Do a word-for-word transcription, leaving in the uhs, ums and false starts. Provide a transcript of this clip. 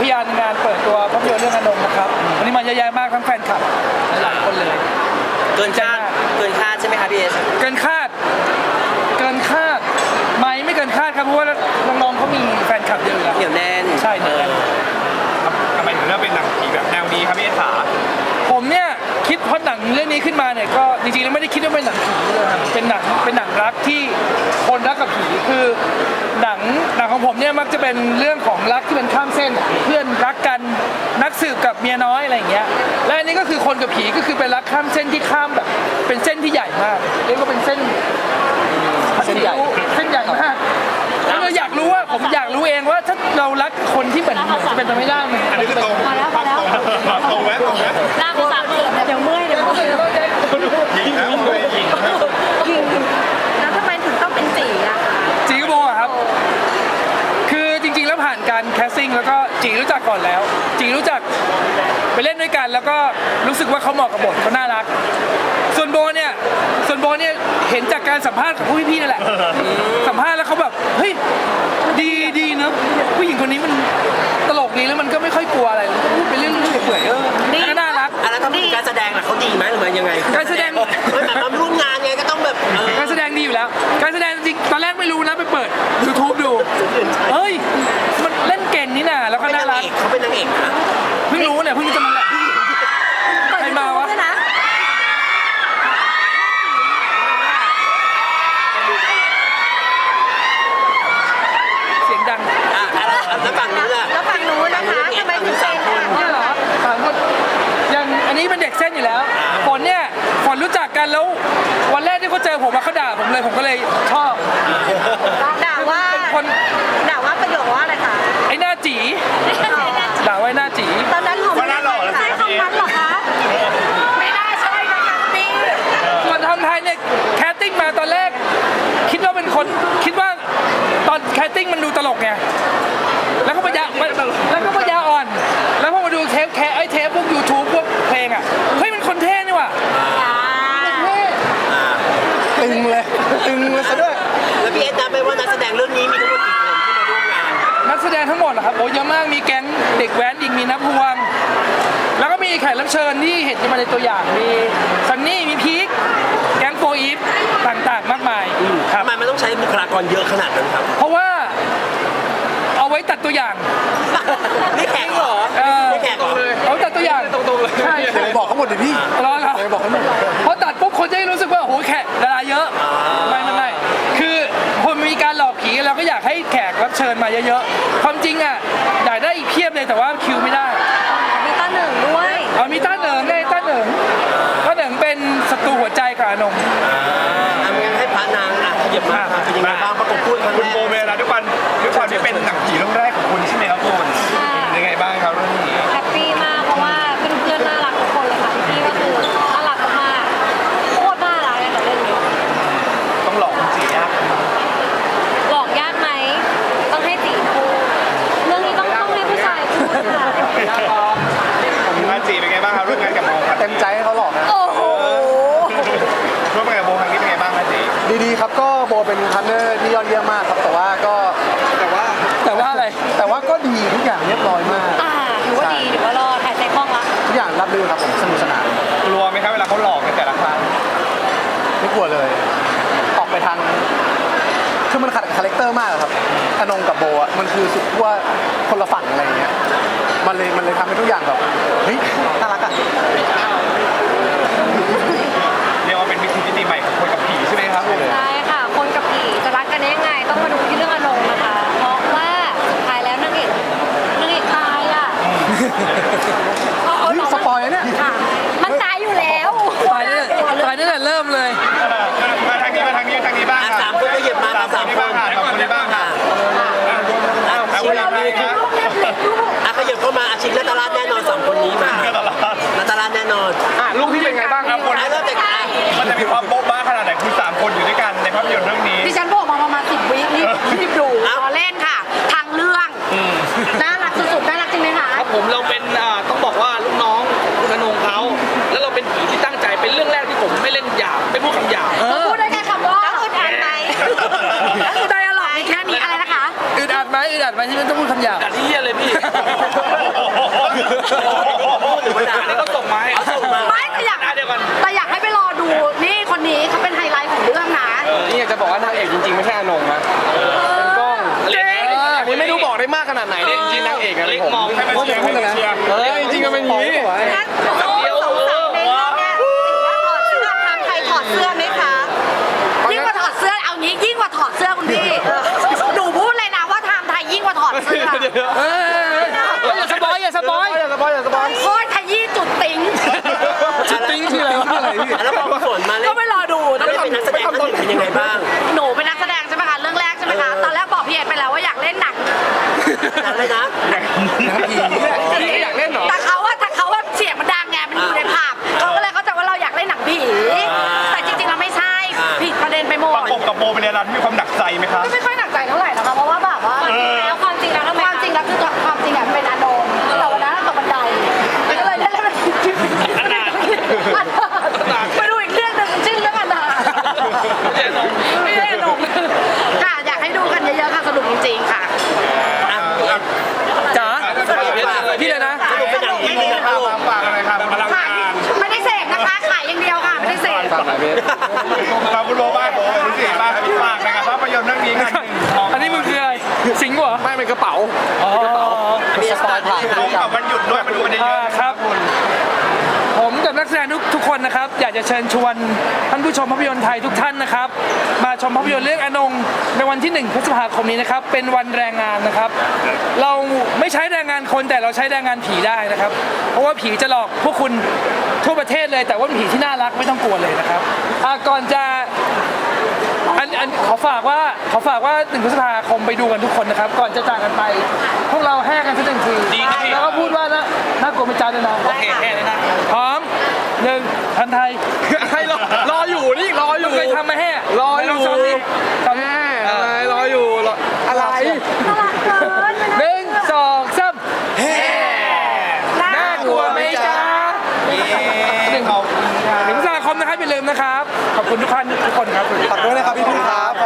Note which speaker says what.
Speaker 1: พยานงานเปิดตัวภาพยนตร์เรื่องอนงนะครับวันนี้มาเยอะแยะมากทั้งแฟนคลับหลายคนเลย
Speaker 2: เกินคาดเกินคาดใช่ไหมคะพี่เอส
Speaker 1: เกินคาดเกินคาดไหมไม่เกินคาดครับเพราะว่าน้องๆเขามีแฟนคลับเยอะแล้ว
Speaker 2: เหนียวแน่น
Speaker 1: ใช่เหนียวแน่น
Speaker 3: ทำไมถึงเลือกเป็นหนังผีแบบแนวนี้ครับพี่เอสขา
Speaker 1: ผมเนี่ยคิดเพราะหนังเรื่องนี้ขึ้นมาเนี่ยก็จริงๆแล้วไม่ได้คิดว่าเป็นหนังผีเลยครับเป็นหนังเป็นหนังรักที่คนรักกับผีคือหนังหนังของผมเนี่ยมักจะเป็นเรื่องของรักที่เป็นข้ามเส้นเพื่อนรักกันนักสืบกับเมียน้อยอะไรอย่างเงี้ยและอันนี้ก็คือคนกับผีก็คือเป็นรักข้ามเส้นที่ข้ามแบบเป็นเส้นที่ใหญ่มากเรียกว่าเป็นเส้นเส้นใหญ่เส้นใหญ่มากแล้วเราอยากรู้ว่าผมอยากรู้เองว่าถ้าเรารักคนที่เหมือนจะเป็นไปไม่ได้มัน
Speaker 3: อันนี้คือตรงมาแล้วมาแล้วตรงไหมตรงไหม
Speaker 4: ลากไปสามเดือนเดี๋ยวเมื่อยเดี๋ยวเมื่อย
Speaker 3: ยิงนะยิงนะ
Speaker 4: ยิงแล้วทำไมถึงต้องเป็นจีอะคะ
Speaker 1: จีก็โบอะครับคือจริงๆแล้วผ่านการแคสติ้งแล้วก็จีรู้จักก่อนแล้วจีรู้จักไปเล่นด้วยกันแล้วก็รู้สึกว่าเขาเหมาะกับบทเขาน่ารักส่วนโบเนี่ยส่วนโบเนี่ยเห็นจากการสัมภาษณ์ของผู้พี่ๆนั่นแหละสัมภาษณ์แล้วเขาแบบเฮ้ยดีดีเนอะผู้หญิงคนนี้มันตลกดีแล้วมันก็ไม่ค่อยกลัวอะไรพูดไปเรื่องเปื่อยๆเออก็น่ารัก
Speaker 2: แล้วทำการแสดงล่ะเขาดีไหมหรือว่ายังไง
Speaker 1: การแสดง
Speaker 2: มันแบบมาร่วมงานไงก็ต้องแบบ
Speaker 1: การแสดงดีอยู่แล้วการแสดงจริงตอนแรกไม่รู้นะไปเปิด ยูทูบ ดูเฮ้ยมันเล่นเก่งนี่น่ะแล้วก็น่ารัก
Speaker 2: เขาเป็นนางเอกนะ
Speaker 1: เพิ่งรู้เนี่ยเพิ่งจะมาแหละใครมาวะเสียงดัง
Speaker 2: อ่ะแล้วฝั่งนู้นล่ะ
Speaker 4: แล้วฝั่งนู้นนะคะทำไมถึงเป็น
Speaker 1: เนี่ยเหรอสามคนยังอันนี้เป็นเด็กเส้นอยู่แล้วฝนเนี่ยฝนรู้จักกันแล้ววันแรกที่เขาเจอผมมาเขาด่าผมเลยผมก็เลยชอบ
Speaker 4: ด่าว่า
Speaker 1: คน
Speaker 4: ด่าว่าประโยคว่าอะไรคะ
Speaker 1: ไอ้หน้าจีด่าไว้หน้าจี
Speaker 4: ตอนนั้นผมไม่ได้ใช้คำนั้นหรอคะไม่ได้ใช่นะคะพี่
Speaker 1: ส่วนทางไทยเนี่ยแคสติ้งมาตอนแรกคิดว่าเป็นคนคิดว่าตอนแคสติ้งมันดูตลกไงแล้วก็ปัญญาแล้วก็ปัญญาอ่อนแล้วพอมาดูเทปแคไอเทปพวก ยูทูบ พวกเพลงอ่ะเฮ้ยมันคนเท่นี่ว่ะตึงเลยตึงเลยซะด้วย
Speaker 2: แล้วพี่เอสนับไปว่านักแสดงเรื่องนี้มีทั้งหมดกี่คนที่มาร่วมงาน
Speaker 1: นักแสดงทั้งหมดเหรอครับโอ้เยอะมากมีแก๊งเด็กแว้นอีกมีนับพวงแล้วก็มีแขกรับเชิญที่เห็นมาในตัวอย่างมีซันนี่มีพีคแก๊งโฟอีฟต่างๆมากมาย
Speaker 2: ทำไมมันต้องใช้บุคลากรเยอะขนาดนั้นครับ
Speaker 1: เพราะว่าเอาไว้ตัดตัวอย่าง
Speaker 2: นี่แขกเหรอ
Speaker 1: นี่แขกเลยเอาตัดตัวอย่าง
Speaker 3: ตรงๆเลย
Speaker 1: ใช่
Speaker 3: บอกเขาหมดดิพี่
Speaker 1: รอครับ
Speaker 3: บอกเขาหมด
Speaker 1: เพราะตัดปุ๊บคนจะรู้สึกว่าโอ้โหแขกดาราเยอะไม่ไม่ไม่คือคนมีการหลอกผีเราก็อยากให้แขกรับเชิญมาเยอะๆความจริงอ่ะอยากได้อีกเพียบเลยแต่ว่าคิวไม่ได้
Speaker 4: มีต้าหนึ่งด้วย
Speaker 1: เอามีต้าเหนิงไงต้าเหนิงต้าเหนิงเป็นศัตรูหัวใจกับอนง
Speaker 2: ทำยังให้พระนางอ่ะขยับมาเป็นยังไงบ้างประกบพูดครั้งแรก
Speaker 3: คุณโบเวลาด้วยกันด้วยความที่เป็นหนังผีเรื่องแรกของคุณใช่ไหมครับคุณยังไงบ้างครับเรื่องนี้
Speaker 4: แฮปปี้มากเพราะว่าเพื่อนๆน่ารักทุกคนเลยค่ะพี่ก็คือน่ารักมากโคตรน่ารักเลยกับเรื่องนี้
Speaker 3: ต้องหลอกคุณจียาก
Speaker 4: หลอกยากไหมต้องให้จีพูดเรื่องนี้ต้องต้องให้ผู้ชายพูดค่ะ
Speaker 3: มาจีเป็นไงบ้างครับร่วมงานกับโบ
Speaker 1: เต็มใจให้เขาหลอกนะ
Speaker 4: โอ้โห
Speaker 3: ร่วมงานกับโบครั้งนี้เป็นไงบ้างครับจี
Speaker 1: ดีๆครับก็โบเป็นพาร์ทเนอร์ที่ยอดเยี่ยมมากครับแต่ว่าก็
Speaker 3: แต่ว่า
Speaker 1: แต่ว่าอะไรแต่ว่าก็ดีทุกอย่างเรียบร้อยมาก
Speaker 4: อ่าถือว่าดีถือว่ารอดถ่ายใจคล่องละ
Speaker 1: ทุกอย่างรับรื่นครับผมสนุกสนาน
Speaker 3: กลัวไหมครับเวลาเขาหลอกในแต่ละครั้ง
Speaker 1: ไม่กลัวเลยออกไปทางคือมันขัดกับคาแรคเตอร์มากครับอนงกับโบอ่ะมันคือสุดว่าคนละฝั่งอะไรอย่างเงี้ยมันเลยมันเลยทำให้ทุกอย่างแบบเฮ้ยน่ารักอ่ะ
Speaker 3: เรียกว่าเป็นวิธีที่ดีใหม่ของคนกับผีใช่ไหมครับ
Speaker 4: ใช่ค่ะคนกับผีจะรักกันได้ยังไงต้องมาดูที่เรื่องอนงนะคะเพราะว่าสุดท้ายแล้วนางเอกนางเอกตายอ่ะ
Speaker 1: สปอยล์เนี่ย
Speaker 4: มันตายอยู่แล้ว
Speaker 1: ตายเนี่ยตายตั้งแต่เริ่มเลย
Speaker 3: มาทางนี้มาทางนี้ทางนี้บ้าง
Speaker 2: สามคนก็หยิบมาสามคน
Speaker 3: สามคนนี้บ้างค่ะเอาคนละนี้ครับ
Speaker 2: อ่ะขยับเข้ามาอาชินและตลาดแน่นอนสองคนนี้มาและตลาดแน่นอน
Speaker 3: อ่ะลูกพี่เป็นไงบ้างครับคน
Speaker 2: เริ่มจาก
Speaker 3: มันจะมีความโบ๊ะบ้าขนาดไหนคือสามคนอยู่ด้วยกันในภาพยนตร์เรื่องนี้
Speaker 4: ดิฉันบอกมาประมาณสิบวินี่รีบดูรอเล่นค่ะทางเรื่องน่ารักสุดๆน่ารักจริงไหมคะ
Speaker 5: ครับผมเราเป็นต้องบอกว่าลูกน้องคุณอนงเขาแล้วเราเป็นผีที่ตั้งใจเป็นเรื่องแรกที่ผมไม่เล่นหยาบไม่พูดคำหยาบ
Speaker 4: พูดได้แค่คำว่าแล้วอึดอัดไหมแล้วคือไดอะล็อกมีแค่นี้อะไรนะคะ
Speaker 1: อึดอัดไหมอึดอัดไหมที่มันต้องพูดคำหยาบ
Speaker 5: อัดที่เหี้ยเลยพี่
Speaker 2: หรือว่าด่า
Speaker 5: อันนี้ก็ส่งมาให้
Speaker 2: เอาส่งมา
Speaker 4: ไม่แต่อยาก
Speaker 5: หน้าเดียวกัน
Speaker 4: แต่อยากให้ไปรอดูนี่คนนี้เขาเป็นไฮไลท์ของเรื่องนะ
Speaker 6: นี่อยากจะบอกว่านางเอกจริงๆไม่ใช่อนงนะเป็นกล้อง
Speaker 5: เล็ก
Speaker 6: อันนี้ไม่รู้บอกได้มากขนาดไหนเนี่ยจริงๆนางเอกอะ
Speaker 5: เล็ก
Speaker 6: ผม
Speaker 5: มองให้มัน
Speaker 3: เชียร์ให้มันเชียร์
Speaker 6: เออจริงๆก็เป็นอย่างนี้
Speaker 4: งั้นโอ้สงสัยในเรื่องเนี้ยสิ่งว่าถอดเสื้อทางใครถอดเสื้อไหมคะยิ่งกว่าถอดเสื้อเอางี้ยิ่งกว่าถอดเสื้อคุณพี่หนูพูดเลยนะว่าไทม์ไทยยิ่งกว่าถอดเสื้อ
Speaker 1: เฮ้ยอย่าสปอยอย่าสปอย
Speaker 6: อย่าสปอยอย่าสปอย
Speaker 4: โคตรขยี้จุดติ้ง
Speaker 2: จุดติ้งคืออะไรแล้วพอฝนมาเล่น
Speaker 4: ก็ไปรอดู
Speaker 2: แล้วเป็นนักแสดงท่านหนึ่งเป็นยังไงบ้าง
Speaker 4: หนูเป็นนักแสดงใช่ไหมคะเรื่องแรกใช่ไหมคะตอนแรกบอกพี่เอ็ดไปแล้วว่าอยากเล่นหนัง
Speaker 2: หนังเลยนะ
Speaker 6: อยากเล่นเหรอ
Speaker 4: แต่เขาว่าแต่เขาว่าเสียงมันดังไงมันอยู่ในภาพเขาก็เลยเข้าใจว่าเราอยากเล่นหนังผีแต่จริงๆเราไม่ใช่ผิดประเด็นไปหม
Speaker 3: ป
Speaker 4: ด
Speaker 3: ระกบกับโบเป็นอะไรที่มีความหนักใจไหมครับ
Speaker 4: ก็ไม่ค่อยหนักใจเท่าไหร่นะคะเพราะว่าแบบว่าแล้วความจริงแล้วความจริงแล้วคือความจริงอ่ะเป็นอานนท์แต่วันนั้นตกบันไดก็เลยได้เล่นเป็นอนาถไปดูอีกเรื่องหนึ่งชื่อเรื่องอนาถไม่ได้อนงค่ะอยากให้ดูกันเยอะๆค่ะสนุกจริงๆค่ะ
Speaker 2: อ่ะพี่เอ็ด
Speaker 1: จ๋าพี่เลยนะ
Speaker 2: สรุปเป็นหนังผีหรือหนังตลก
Speaker 3: ฝากอะไรครับพลัง
Speaker 4: ขาย
Speaker 3: งาน
Speaker 4: ไม่ได้เสพนะคะขายอย่างเดียวค่ะไม่ได้เสพ
Speaker 6: ฝากหน่อยเบส
Speaker 3: ฝากคุณโบบ้างคุณสี่บ้างฝากนะครับภาพยนตร์เรื่องนี้กันหนึ่งทอง
Speaker 1: อันนี้มึงคืออะไรสิงห์เหรอ
Speaker 6: ไม่เป็นกระเป๋า
Speaker 1: อ๋อ
Speaker 2: มีสปอยผ่าน
Speaker 3: ตรงกับวันหยุดด้วยมาดูกันเย
Speaker 1: อ่า
Speaker 3: อะๆ
Speaker 1: ครับ ผมกับนักแสดงทุกทุกคนนะครับ อยากจะเชิญชวนท่านผู้ชมภาพยนตร์ไทยทุกท่านนะครับ มาชมภาพยนตร์เรื่องอนงในวันที่หนึ่งพฤษภาคมนี้นะครับ เป็นวันแรงงานนะครับ เราไม่ใช้แรงงานคนแต่เราใช้แรงงานผีได้นะครับ เพราะว่าผีจะหลอกพวกคุณทั่วประเทศเลย แต่ว่าเป็นผีที่น่ารักไม่ต้องกลัวเลยนะครับอ่าก่อนจะ อันอันขอฝากว่าขอฝากว่าหนึ่งพฤษภาคมไปดูกันทุกคนนะครับ ก่อนจะจากกันไป พวกเราแห่กันสักหนึ่งที
Speaker 5: ดีครับพี่
Speaker 1: แล้วก็พูดว่านะน่ากลัวไม่จ้าด้วยนะ
Speaker 5: โอเคแค่นี้นะ
Speaker 1: พร้อมหนึ่งทันไทย
Speaker 6: ให้รอรออยู่นี่รออ
Speaker 1: มึ
Speaker 6: ยู่
Speaker 1: งเคยทำมาแห่
Speaker 6: รออยู่
Speaker 1: ลงซ้อมดิซ้อม
Speaker 6: แม่อะไรรออยู่รออะไร
Speaker 4: น่ารักเกิน
Speaker 1: หนึ่งสองสามแห่น่ากลัวไหมจ้าหนึ่ง
Speaker 3: ขอบคุณครับ
Speaker 1: หนึ่งพฤษภาคมนะครับอย่าลืมนะครับ ขอบคุณทุกท่านทุกคนครับ
Speaker 6: ฝากด้วยนะครับพี่ๆครับ